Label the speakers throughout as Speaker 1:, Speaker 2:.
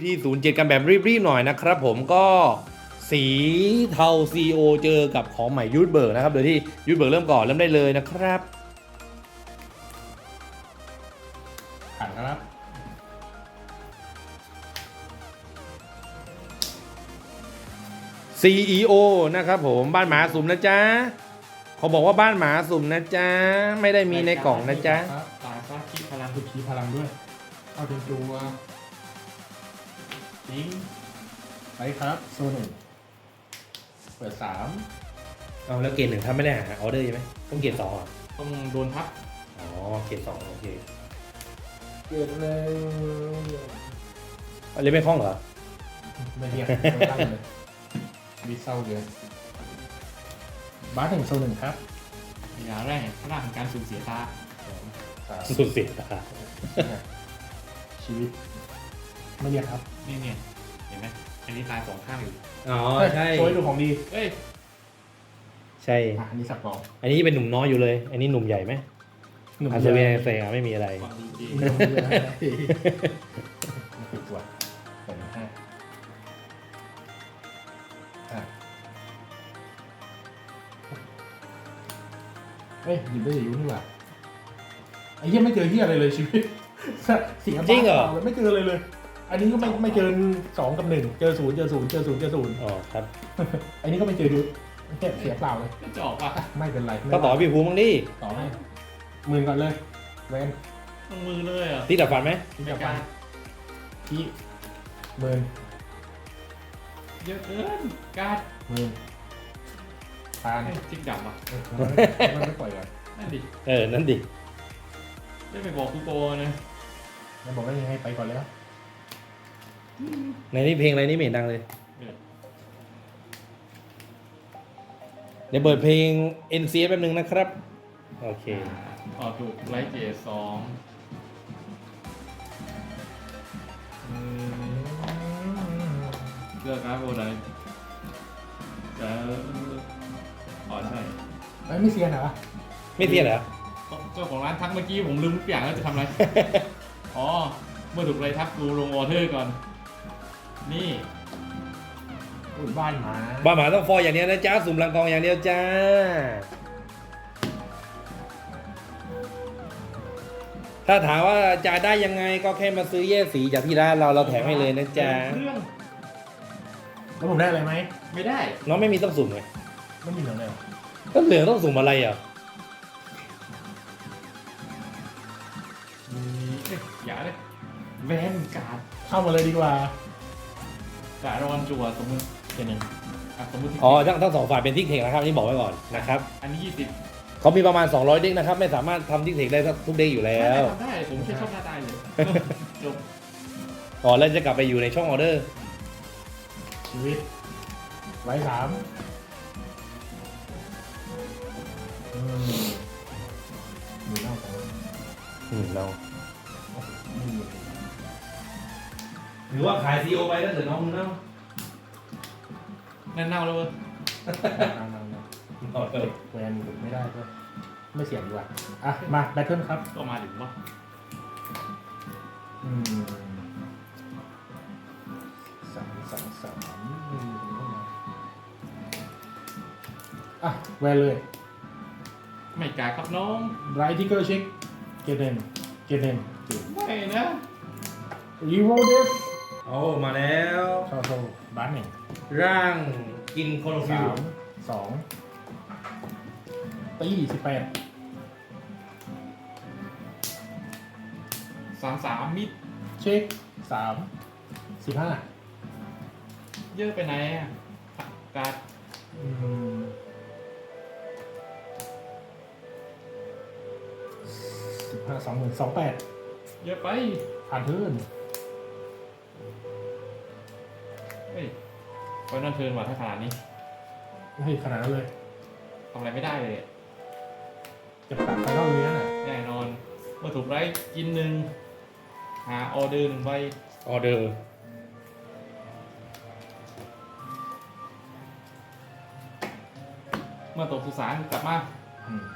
Speaker 1: ที่07กันแบบรีบๆหน่อยนะครับผมก็สีเทา CO เจอกับของใหม่ยูทเบิร์กนะครับโดยที่ยูทเบิร์กเริ่มก่อนเริ่มได้เลยนะครับ
Speaker 2: ผ่านครับ
Speaker 1: CEO นะครับผมบ้านหมาสุ่มนะจ๊ะเขาบอกว่าบ้านหมาสุ่มนะจ๊ะไม่ได้มีในกล่องนะจ๊ะ
Speaker 3: ตายซะคิดพลัง
Speaker 2: คุณชี้พลังด้วยเอาถึงตัว
Speaker 3: ทิ้ง
Speaker 2: ไปครับโซนหนึ่งเปิดสาม
Speaker 1: เอาแล้วเกรดหนึ่งถ้าไม่ได้หาออเดอร์ใช่ไหมต้องเกรดสองเหรอ
Speaker 3: ต้องโดนทับ
Speaker 1: อ๋อเกรดสองโอเค
Speaker 2: เกิดเลย
Speaker 1: อันนี้ไม่คล่องเหรอ
Speaker 2: ไม่เรียกไม่ตั้งเลยมีเศร้าเลยบาสถึงโซนหนึ่งครับ
Speaker 3: อย่างแรกพลังของการสูญเสียตา
Speaker 2: สาม
Speaker 1: สุดเสียตา
Speaker 2: ชีวิตไม่เรียกครับ
Speaker 3: นี่เนี่ยเห็นไหมอันนี้ตายสองข้างอยู่
Speaker 1: อ๋อใช่
Speaker 2: โชว์ให้ดูของดี
Speaker 3: เอ้ย
Speaker 1: ใช่
Speaker 2: อันนี้สับกอง
Speaker 1: อันนี้เป็นหนุ่มน้อยอยู่เลย อันนี้หนุ่มใหญ่ไหม
Speaker 2: หนุ่ม
Speaker 1: อัน
Speaker 2: เย
Speaker 1: เซ
Speaker 2: อะ
Speaker 1: เวียเซียไม่มีอะไร
Speaker 3: ความดีจริง
Speaker 2: หนุ่มเยอะปิดตัวเปิดห้าเฮ้ยหยิบได้อยู่นี่หว่าไอ้เหี้ยไม่เจอเหี้ยอะไรเลยชีวิตเสียบ้า
Speaker 1: จริงเหรอ
Speaker 2: ปล่าเลยไม่เจออะไรเลย อันนี้ก็ไม่เจอ2 กับ 1เจอ0เจอ0เจอ0เจอ0
Speaker 1: อ๋อครับ
Speaker 2: อันนี้ก็ไม่เจอยุทธเนี่ยเสียเปล่าเลย
Speaker 3: ก็จะออกว่ะ
Speaker 2: ไม่เป็นไร
Speaker 1: ก็ต่อพี่ภูมิบ้างดิ
Speaker 2: ต่อให้หมื่นก่อนเลยเวน
Speaker 3: ต้องมือเลยอ่ะ
Speaker 1: ที่ดับฟันไหม
Speaker 2: ที่จะฟันที่หมื่น
Speaker 3: เยอะเกินการ์ด
Speaker 2: หมื่นทาน
Speaker 3: จิกดับอ่ะ
Speaker 2: มันไม่ปล่อยก่อน
Speaker 3: นั่นดิ
Speaker 1: นั่นดิ
Speaker 3: ได้ไปบอกกูโกนะ
Speaker 2: แล้วบอกว่ายังไงไปก่อนแล้ว
Speaker 1: ในนี้เพลงอะไรนี่ไม่เห็นดังเลย เดี๋ยวเปิดเพลง NCS แป๊บนึงนะครับ โอเค
Speaker 3: อ๋อถูกไลท์เกตสองเลือกการ์ดโบไดจะอ๋อใช่
Speaker 2: ไม่เสียเหรอ
Speaker 1: ไม่เสียเหรอ
Speaker 3: เจ้าของร้านทักเมื่อกี้ผมลืมทุกอย่างแล้วจะทำอะไร อ๋อ เมื่อถูกไรทักกูลงออเดอร์ก่อน นี่
Speaker 2: อุ้ยบ้านหมา
Speaker 1: บ้าหมาต้องฟอยอย่างเดียวนะจ๊ะ สุ่มรังกองอย่างเดียวจ้า ถ้าถามว่าจะได้ยังไงก็แค่มาซื้อแยกสีจากที่ร้านเราแถมให้เลยนะจ๊ะ
Speaker 3: เครื่อง
Speaker 2: แล้วผมได้อะไรไหม
Speaker 3: ไม่ได้
Speaker 1: น้องไม่มีต้องสุ่มไง
Speaker 2: ไม่มีเหลือเลย
Speaker 1: ก็เหลืองต้องสุ่มอะไรอ่ะ
Speaker 3: อย่าเลยแวนการ์ด
Speaker 2: เข้ามาเลยดีกว่า
Speaker 3: การ์ดรอนจัวสมมติเป็นหนึ่งสมมติ
Speaker 1: อ๋อทั้งสองฝ่ายเป็นทิกเทคนะครับนี่บอกไว้ก่อนนะครับ
Speaker 3: อันนี้20
Speaker 1: เขามีประมาณ200เด็กนะครับ ไม่สามารถทำทิกเทคได้ทุกเด็กอยู่แล้ว
Speaker 3: ทำได้ ผมแค่ชอบหน้าตายเลยจบ
Speaker 1: ก่อนแล้วจะกลับไปอยู่ในช่องออเดอร์
Speaker 2: ชีวิตไว้สามมีเล่าแต่ว่า
Speaker 1: เรา
Speaker 2: ไม่มี
Speaker 1: หรือว่าขายซีโอไปแล้วเกิดน้องมึงเนาะ
Speaker 3: นั่นเน่าแล้วเว้ย
Speaker 2: นั่งแวนไม่ได้ก็ไม่เสี่ยงดีกว่าอ่ะมาแบทเทิลครับ
Speaker 3: ก็มาถึงว่า
Speaker 2: 3 อ่ะแวนเลย
Speaker 3: ไม่กล้าครับน้อง
Speaker 2: ไรทิกเกอร์เช็คเกเนน
Speaker 3: ไม่นะ
Speaker 2: รีโวเดฟ
Speaker 1: โอ้มาแล้ว
Speaker 2: เข้าโซบ้านหนึ่ง
Speaker 1: ร่างกินโคโลฟิล
Speaker 2: 2 ตี18
Speaker 3: 33มิด
Speaker 2: เช็ค3 15
Speaker 3: เยอะไปไหนอ่ะการ์ด
Speaker 2: 15 28
Speaker 3: เยอะไป
Speaker 2: ผ่านเทิร์น
Speaker 3: เฮ้ยไว้นอนเทิร์นว่ะถ้าขนาดนี้
Speaker 2: เฮ้ยขนาดนั้นเลย
Speaker 3: ทำอะไรไม่ได้เลยอะ
Speaker 2: จะตัดไฟนอลเลยน่ะ
Speaker 3: แน่นอน เมื่อถูกไล่กินหนึ่งหาออเดอร์หนึ่งใบ
Speaker 1: ออเดอร์
Speaker 3: เมื่อตกสุสานกลับมา
Speaker 2: อืม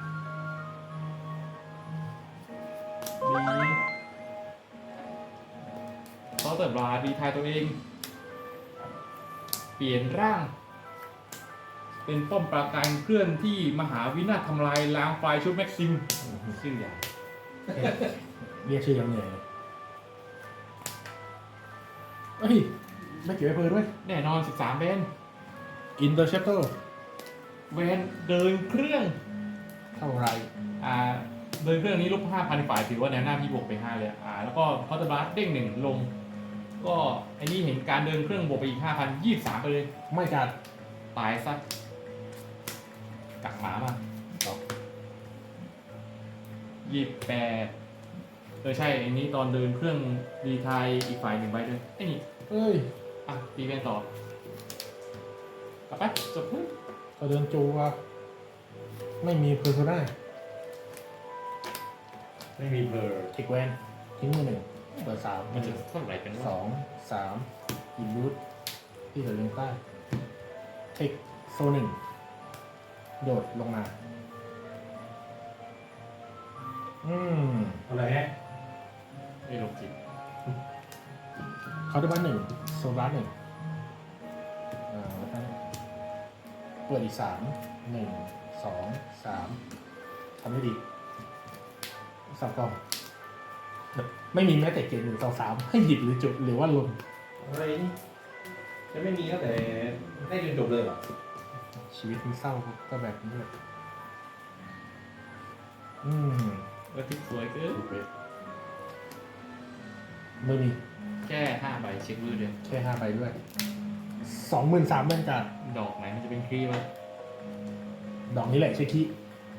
Speaker 3: มีเคาน์เตอร์บราดีทายตัวเอง เปลี่ยนร่าง เป็นป้อมปราการเคลื่อนที่มหาวินาศทำลายล้างไฟชุดแม็กซิมชื่ออย่าง
Speaker 2: เรียกชื่อยังเหนื่อยเลยเฮ้ยไม่เกี่ยวกับเพอด้วย
Speaker 3: แน่นอน13เบน
Speaker 2: Interceptor
Speaker 3: เวนเดินเครื่อง
Speaker 2: เท่าไร
Speaker 3: เดินเครื่องนี้ลบ 5,000 ฝ่ายถือว่าแนวหน้าพี่บวกไป 5 เลยแล้วก็คอร์ตบาร์เด้ง 1 ลง ก็ไอ้นี่เห็นการเดินเครื่องบวกไปอีก 5,000 23 ไปเลย
Speaker 2: ไม่กัด
Speaker 3: ตายซะกักหมามา28ใช่ไอ้นี้ตอนเดินเครื่องรีไทายอีกฝ่าย1ใบด้วยไอ้นี่
Speaker 2: เอ้ย
Speaker 3: ตีเป็นต่อ กลับไปจบเพิ่ม
Speaker 2: เขาเดินจูว่าไม่มีเพอร์โซนา
Speaker 1: ไม่มีเพลอร์
Speaker 2: เทคแวนทิ้งมือหนึ่งเปิดสาม
Speaker 3: มันจะเท่าไหร่กัน
Speaker 2: ส
Speaker 3: วะ
Speaker 2: องสามอินรูทที่เหลือเรียงใต้เทคโซหนึ่งโดดลงมา
Speaker 1: อะไรฮะ
Speaker 3: ไม่ลงจิต
Speaker 2: เขาได้บ้านหนึ่งโซบัสหนึ่งแล้วก็เปิดอีก1 2 3ทำได้ดีสับกล่องไม่มีแม้แต่เกณฑ์1 2 3ให้หยิบหรือจุดหรือว่าลง
Speaker 1: อะไรนี่จะไม่มีตั้งแต่ได้จนจบเลยเหรอ
Speaker 2: ชีวิตมันเศร้าก็แบบนี้แหละ
Speaker 3: ว่าทิกสวยเกิน
Speaker 2: ไม่มี
Speaker 3: แค่5 ใบเช็คมือเดียว
Speaker 2: แค่5 ใบด้วย 23,000เป็นการ
Speaker 3: ดอกไหนมันจะเป็นครีมวะ
Speaker 2: ดอกนี้แหละเช็คคี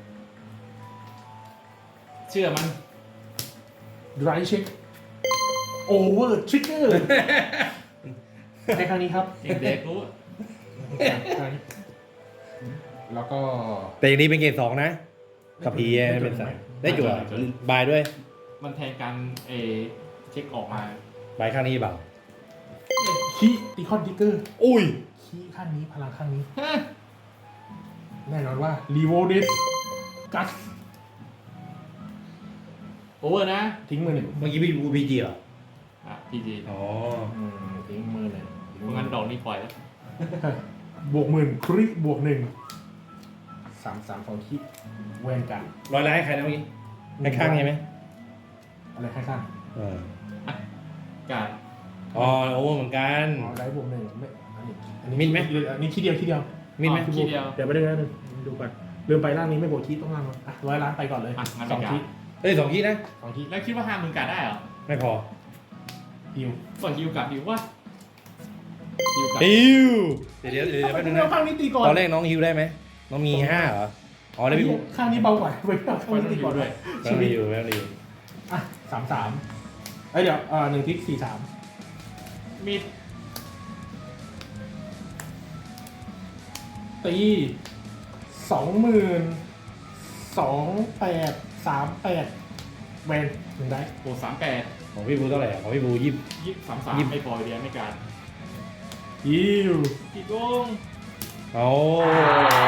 Speaker 3: เชื่อมัน
Speaker 2: ดรายเช็คโอเวอร์ทริกเกอร์ในครั้งนี้ครับ
Speaker 3: เด็กๆรู้
Speaker 2: ครั้งนี้แล้วก็
Speaker 1: แต่อย่างนี้เป็นเกรด2นะกับพีเป็นสามได้จั่วบายด้วย
Speaker 3: มันแทนการเช็คออกมา
Speaker 1: บายข้างนี้เปล่า
Speaker 2: คีตีคอนทิกเกอร์
Speaker 1: อุ้ย
Speaker 2: คีข้างนี้พลังข้างนี้ แน่นอนว่ารีโวดิสกัส
Speaker 3: โอเวอร์นะ
Speaker 2: ทิ้งมือหนึ่ง
Speaker 1: เมื่อกี้พี่บูพีจีเหรอ
Speaker 3: พีจี
Speaker 1: อ๋อ
Speaker 2: ทิ้งมือหนึ่ง
Speaker 3: เพราะงั้นดอกนี้ปล่อยแล้ว
Speaker 2: บวก10,000คริบวก1 3 2คีแวนกัน
Speaker 1: ร้อยล้านให้ใครนะเมื่อกี้ให้ข้างใช่ไหม
Speaker 2: อะไรให้ข้าง
Speaker 3: การ
Speaker 1: อ๋อโอเวอร์เหมือนกัน
Speaker 2: อ๋อได้บวก1ไม่อันนี้
Speaker 1: มิดไหม
Speaker 2: อันนี้ทีเดียว
Speaker 1: มินไหม
Speaker 3: ทีเดียว
Speaker 2: เดี๋ยวไปดูนะดูก่อนลืมไปร่างนี้ไม่บวกคีต้องร่าง100 ล้านไปก่อนเลย
Speaker 3: งั้น
Speaker 2: 2
Speaker 3: ไป
Speaker 2: คี
Speaker 1: เฮ้ย2คีนะ
Speaker 2: 2คี
Speaker 3: แล้วคิดว่า50,000การได้เหรอ
Speaker 1: ไม่พอ
Speaker 2: ฮิว
Speaker 3: ก็ฮิวกับฮิวว่าฮิวกับ
Speaker 1: ฮิวเดี๋ยวแป๊บนึงนะ
Speaker 2: ข้างนี้ตีก่อน
Speaker 1: ตอนแรกน้องฮิวได้ไหมน้องมี5เหรออ๋อได้พี่บู
Speaker 2: ข้างนี้เบากว่าไปข้างนี้ตีก่อนด้วย
Speaker 1: แป๊บนึงอยู่แป๊บนึงอยู่
Speaker 2: 33เดี๋ยว1ทิก43
Speaker 3: มิด
Speaker 2: ตี22,838แวน1ได้
Speaker 3: โอ้38
Speaker 1: ของพี่บูเท่าไหร่ของพี่บู20
Speaker 3: 23ไม่พอเดียวไม่การ
Speaker 2: ฮิว
Speaker 3: กี่โกง
Speaker 1: โอ้